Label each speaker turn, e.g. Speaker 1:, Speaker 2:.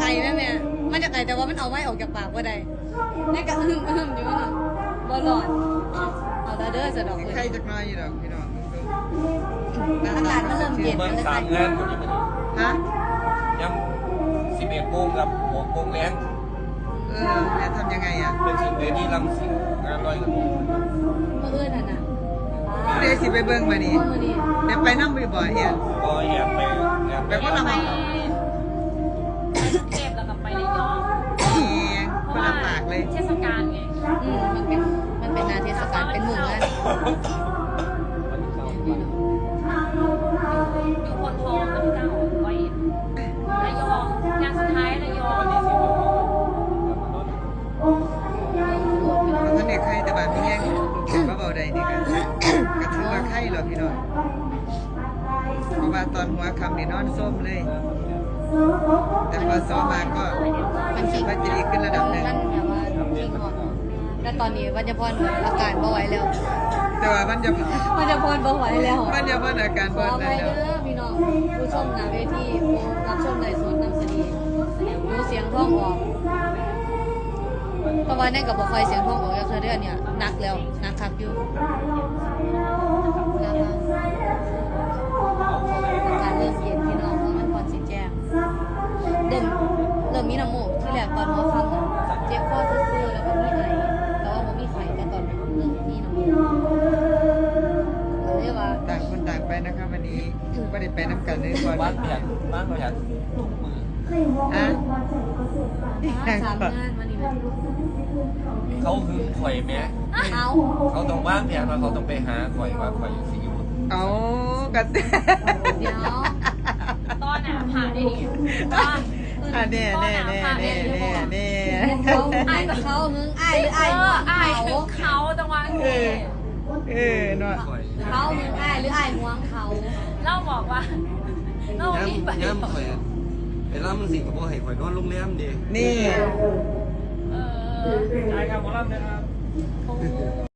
Speaker 1: ไแม่แม่มาจากไหนแต่ว่ามันเอาไม้ออกจากปากว่าใดนี่ก็อึ้มอยู่นั่นบอลอดเอาตาเด้อสะดอกเลย
Speaker 2: ใครจะน้อยอยู่ดอกพี่น้อง
Speaker 1: อากาศมันเริ่มเย็น
Speaker 3: เมืองสามงานวันนี้มัน
Speaker 2: ฮะ
Speaker 3: ยัง11 โมงกับ6 โมงแรง
Speaker 2: แล้วทำยังไงอ่ะ
Speaker 3: เป็นสิ่งเดียวที่รังสิตงานลอยกระทง
Speaker 1: เมื่อคืนน่ะนะ
Speaker 2: เดี๋ยวสิไปเบิ่งมานี่
Speaker 1: เมื่อนี้
Speaker 2: เดี๋ยวไปนั่งบ่อยๆเนี่ย
Speaker 3: ก็แอบไปแอบ
Speaker 2: ไปคนละห
Speaker 4: ไป
Speaker 2: ม่อง
Speaker 4: เทพแล้วก็ไประยอง
Speaker 2: เองคนละปากเลย
Speaker 4: เทศกาลไง
Speaker 1: มันเป็นนาเทศกาลเป็นหมู่งาน
Speaker 4: อยู่คนทองกับพี่เจ้าไว้ระยองงานสุดท้ายระยอง
Speaker 3: วันที่10 โมง
Speaker 2: เพราะท่านเด็กไข่แต่บานพี่แย่งลูกเห็นว่าเบาใดนี่กันก็ถือว่าไข่หรอพี่น้องเพราะว่าตอนหัวคำนี่นอนส้มเลย แต่พอซ้อมมาก็
Speaker 1: มัน
Speaker 2: คิ
Speaker 1: ขิ
Speaker 2: ด
Speaker 1: ง
Speaker 2: ว่าจะดีขึ้นระดับหนึ่ง
Speaker 1: มันแบบว่าขิงหอมแล้วตอนนี้วัญญพรอาการบ่ไหวแล้ว
Speaker 2: แต่ว่ามันจะ
Speaker 1: วัญญพรบ่ไหวแล้ว
Speaker 2: มันจะพันอาการ
Speaker 1: ข
Speaker 2: บ
Speaker 1: อ
Speaker 2: อล
Speaker 1: ไป
Speaker 2: นั่น
Speaker 1: เด้
Speaker 2: เนาะ
Speaker 1: อพี่น้องผู้ชมหน้าเวทีผู้รับชมในสวนน้ำเสนีดูเสียงท้องออกเพราะว่านั่นกับบ่คอยเสียงท้องออกแล้วเธอเดือนเนี่ยหนักแล้วหนักคักอยู่นะคะอากาศเริ่มเย็นพี่น้องเพราะมันพรสิแจ้งเริ่มมีน้ำมูกที่แรกตอนหัวค่ำน่ะเจ็บคอซื่อๆแล้วก็มีไอแต่ว่าบ่มีไข้แต่ตอนนี้เริ่มมีน้ำมูกเรียกว่า
Speaker 2: ต่างคนต่างไปนะครับวันนี้ไม่ได้ไปน้ำกันเลยก่อน
Speaker 3: บ้านประหยัดทุกมือ
Speaker 2: ฮะ
Speaker 1: สามงานวันนี้
Speaker 3: เขาหึงข่อยแม่
Speaker 1: เอา
Speaker 3: เขาต้องว่างแผนว่าเขาต้องไปหาข่อยว่าข่อยอยู่ซีอู
Speaker 2: เอากระเต
Speaker 1: เดี๋ยว
Speaker 4: ตอนน่ะผ่านได้ดีตอน
Speaker 2: อ่ะเน่เน่เน่เน่เน่เน่
Speaker 1: เขาไอ้กับเขาหึงไอ้หรือไอ้หัว
Speaker 4: อาย
Speaker 1: เขา
Speaker 4: ถึงเขาตะวัน
Speaker 2: เนาะ
Speaker 3: ข่อย
Speaker 1: เขาหึงไอ้หรือไอ้หัวเขา
Speaker 4: เล่าบอกว่าเล่ามีไป
Speaker 3: ย้ำข่อยเวลามันสิงคโปร์ให้ข่อยนอนโรงแรมดิ
Speaker 2: นี่
Speaker 4: เออ
Speaker 3: ใช่ครับหมอลำนะครับ